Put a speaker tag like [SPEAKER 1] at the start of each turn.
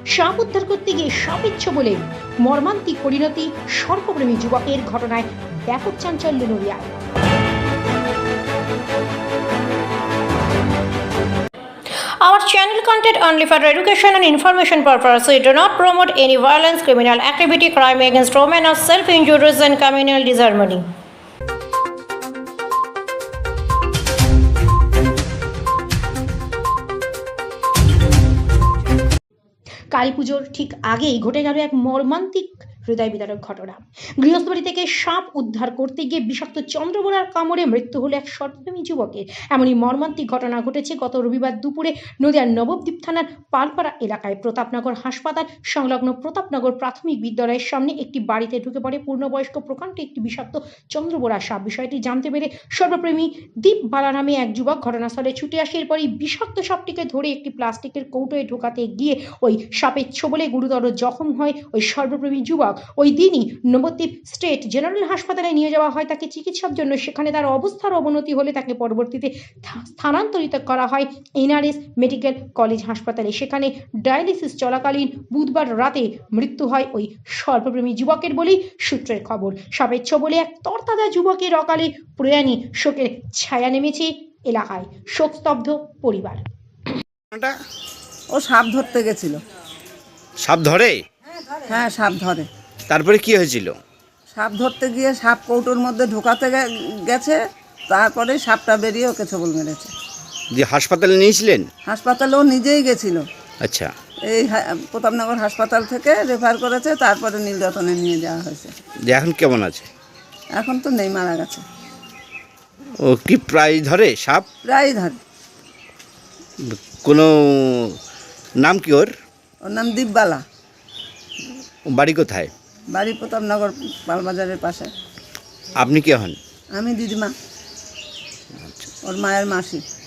[SPEAKER 1] সাপ উদ্ধার করতে গিয়ে সাপের ছোবলে মর্মান্তিক পরিণতি, সর্পপ্রেমী যুবকের ঘটনায় ব্যাপক চাঞ্চল্য নড়িয়ায়। Our channel content only for education and information purpose. We do not promote any violence, criminal activity, crime against women, or self-injuries and communal disharmony. Kali পুজোর ঠিক আগেই ঘটে গেল এক মর্মান্তিক হৃদয় বিদারক ঘটনা। গৃহস্থবাড়ি থেকে সাপ উদ্ধার করতে গিয়ে বিষাক্ত চন্দ্রবোড়ার কামড়ে মৃত্যু হলো এক সর্পপ্রেমী যুবকের। এমনই মর্মান্তিক ঘটনা ঘটেছে গত রবিবার দুপুরে নদিয়ার নবদ্বীপ থানার পালপাড়া এলাকায় প্রতাপনগর হাসপাতাল সংলগ্ন প্রতাপনগর প্রাথমিক বিদ্যালয়ের সামনে একটি বাড়িতে ঢুকে পড়ে পূর্ণবয়স্ক প্রকাণ্ড একটি বিষাক্ত চন্দ্রবোড়া সাপ। বিষয়টি জানতে পেরে সর্বপ্রেমী দীপ বালা নামে এক যুবক ঘটনাস্থলে ছুটে আসে। এরপরই বিষাক্ত সাপটিকে ধরে একটি প্লাস্টিকের কৌটোয় ঢোকাতে গিয়ে ওই সাপের ছোবলে গুরুতর জখম হয় ওই সর্বপ্রেমী যুবক। ওই দিনই নবদ্বীপ স্টেট জেনারেল হাসপাতালে নিয়ে যাওয়া হয় তাকে চিকিৎসার জন্য। সেখানে তার অবস্থার অবনতি হলে তাকে পরবর্তীতে স্থানান্তরিত করা হয় এনআরএস মেডিকেল কলেজ হাসপাতালে। সেখানে ডায়ালিসিস চলাকালীন বুধবার রাতে মৃত্যু হয় ওই সর্বপ্রেমী যুবকের বলেই সূত্রের খবর। সাপের ছোবলে এক তরতাজা যুবকের অকালে প্রয়াণী শোকের ছায়া নেমেছে এলাকায়। শোকস্তব্ধ পরিবার।
[SPEAKER 2] ও সাপ ধরতে গেছিল।
[SPEAKER 3] সাপ ধরে?
[SPEAKER 2] হ্যাঁ, সাপ ধরে।
[SPEAKER 3] তারপরে কি হয়েছিল?
[SPEAKER 2] সাপ ধরতে গিয়ে সাপ কৌটোর মধ্যে ঢোকাতে গেছে, তারপরে সাপটা বেরিয়ে ওকে ছোবল মেরেছে।
[SPEAKER 3] যে হাসপাতালে নিয়েছিলেন?
[SPEAKER 2] হাসপাতালেও নিজেই গেছিল।
[SPEAKER 3] আচ্ছা,
[SPEAKER 2] এই প্রতাপনগর হাসপাতাল থেকে রেফার করেছে, তারপরে নীলরতনে নিয়ে যাওয়া হয়েছে।
[SPEAKER 3] যে এখন কেমন আছে?
[SPEAKER 2] এখন তো নেই, মারা গেছে।
[SPEAKER 3] ও কি প্রায় ধরে সাপ?
[SPEAKER 2] প্রায় ধরে।
[SPEAKER 3] কোনো নাম কি ওর?
[SPEAKER 2] ওর নাম দীপবালা।
[SPEAKER 3] বাড়ি কোথায়?
[SPEAKER 2] বাড়ি প্রতাপনগর পালবাজারের পাশে।
[SPEAKER 3] আপনি কে হন?
[SPEAKER 2] আমি দিদিমা, ওর মায়ের মাসি।